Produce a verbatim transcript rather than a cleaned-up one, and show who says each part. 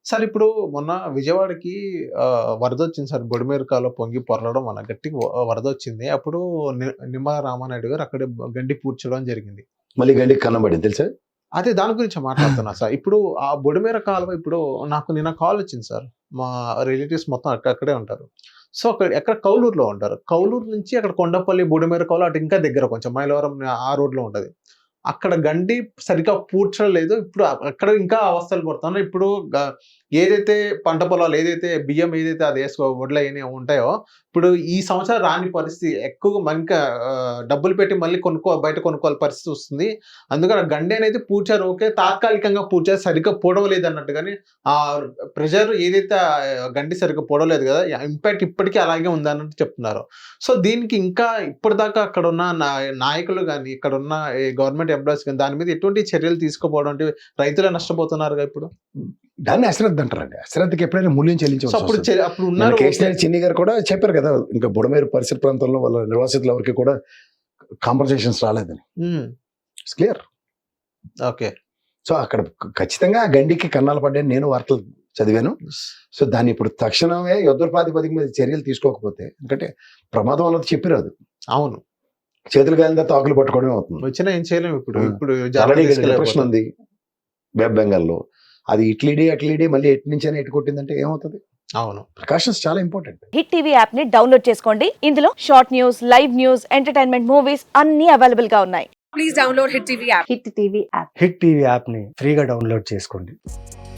Speaker 1: Sir ఇప్పుడు మొన్న విజయవాడకి ఆహ్, వరదొచ్చింది సార్. బుడమేరు కాలువ పొంగి పొర్లడం వల్ల గట్టిగా వ వరదొచ్చింది. అప్పుడు ని నిమ్మల రామానాయుడు గారు అక్కడే బ గండి పూడ్చడం జరిగింది.
Speaker 2: మళ్ళీ గండికి కన్నం పడింది తెలుసా?
Speaker 1: అదే దాని గురించే మాట్లాడుతున్నా సార్. ఇప్పుడు ఆ బుడమేర కాలువ ఇప్పుడు నాకు నిన్న కాలొచ్చింది సార్. మా రిలేటివ్స్ మొత్తం అక్క అక్కడే ఉంటారు. సో, అక్కడ ఎక్కడ కౌలూరులో ఉంటారు. కౌలూరు నుంచి అక్కడ కొండపల్లి, బుడమేరు కాలువ అటు ఇంకా దగ్గర కొంచెం మైలవరం ఆ రోడ్‌లో ఉంటది. అక్కడ గండి సరిగ్గా పూడ్చలేదు. ఇప్పుడు అక్కడ ఇంకా అవస్థలు పడుతున్నారు. ఇప్పుడు గ ఏదైతే పంట పొలాలు ఏదైతే బియ్యం ఏదైతే అది ఏసుకో వడ్లయన్ని ఉంటాయో, ఇప్పుడు ఈ సంవత్సరం రాని పరిస్థితి ఎక్కువగా మ ఇంకా ఆహ్, డబ్బులు పెట్టి మళ్ళీ కొనుక్కో బయట కొనుక్కోవాలి పరిస్థితి వస్తుంది. అందుకని ఆ గండి అనేది పూడ్చారు ఓకే. తాత్కాలికంగా పూడ్చారు. సరిగ్గా పూడవలేదన్నట్టుగానే ఆహ్, ప్రెషర్ ఏదైతే ఆహ్, గండి సరిగ్గా పూడవలేదు గదా! ఇంపాక్ట్ ఇప్పటికి అలాగే ఉందన్నట్టు చెప్తున్నారు. సో, దీనికి ఇంకా ఇప్పటిదాకా అక్కడున్న నా నాయకులు గాని, ఇక్కడున్న ఈ గవర్నమెంట్ ఎంప్లాయీస్ గాని దాని మీద ఎటువంటి చర్యలు తీసుకోకపోవడం అంటే రైతులే నష్టపోతున్నారుగా ఇప్పుడు.
Speaker 2: దాన్ని అశ్రద్ధ అంటారండి. అశ్రద్ధకి ఎప్పుడైనా మూల్యం
Speaker 1: సో,
Speaker 2: చెల్లించవలసి
Speaker 1: అప్పుడు
Speaker 2: వస్తది.
Speaker 1: చె అప్పుడు
Speaker 2: మన
Speaker 1: ఉన్నారు ఓకే.
Speaker 2: కేసీఆర్ చిన్ని గారు కూడా చెప్పారు కదా! ఇంకా బుడమేరు పరిసర ప్రాంతంలో వాళ్ళ నిర్వాసితులు ఎవరికీ కూడా కాంపెన్సేషన్స్ రాలేదని.
Speaker 1: హ్మ్.
Speaker 2: It's clear.
Speaker 1: ఓకే.
Speaker 2: సో, అక్కడ క ఖచ్చితంగా ఆ గండికి కన్నాలు పడ్డాయని నేను వార్తలు చదివాను. సో, దాన్ని ఇప్పుడు తక్షణమే యుద్ధ ప్రాతిపదిక మీద చర్యలు తీసుకోకపోతే ఎందుకంటే ప్రమాదం అన్నది చెప్పి రాదు.
Speaker 1: అవును.
Speaker 2: చేతులు కాలిన తాకులు పట్టుకోవడమే అవుతుంది.
Speaker 1: వచ్చినా ఏం చేయలేము ఇప్పుడు.
Speaker 2: హ్మ్.
Speaker 1: ఇప్పుడు
Speaker 2: ఆల్రెడీ
Speaker 1: జాగ్రత్త
Speaker 2: డిప్రెషన్
Speaker 1: తీసుకోలేకపోతే.
Speaker 2: ఉంది వెస్ట్ బెంగాల్‌లో. అది ఇట్లీడి, అట్లీడి మళ్ళీ ఎటు నుంచైనా ఎటు కొట్టిందంటే ఏమవుతది?
Speaker 1: అవును.
Speaker 2: ప్రికాషన్స్ చాలా ఇంపార్టెంట్.
Speaker 3: హిట్ టీవీ యాప్ ని డౌన్లోడ్ చేసుకోండి. ఇందులో short news, live news, entertainment movies అన్ని అవైలబుల్ గా ఉన్నాయి.
Speaker 4: Please download Hit T V app.
Speaker 3: Hit TV app.
Speaker 5: Hit TV యాప్ని ఫ్రీగా డౌన్లోడ్ చేసుకోండి.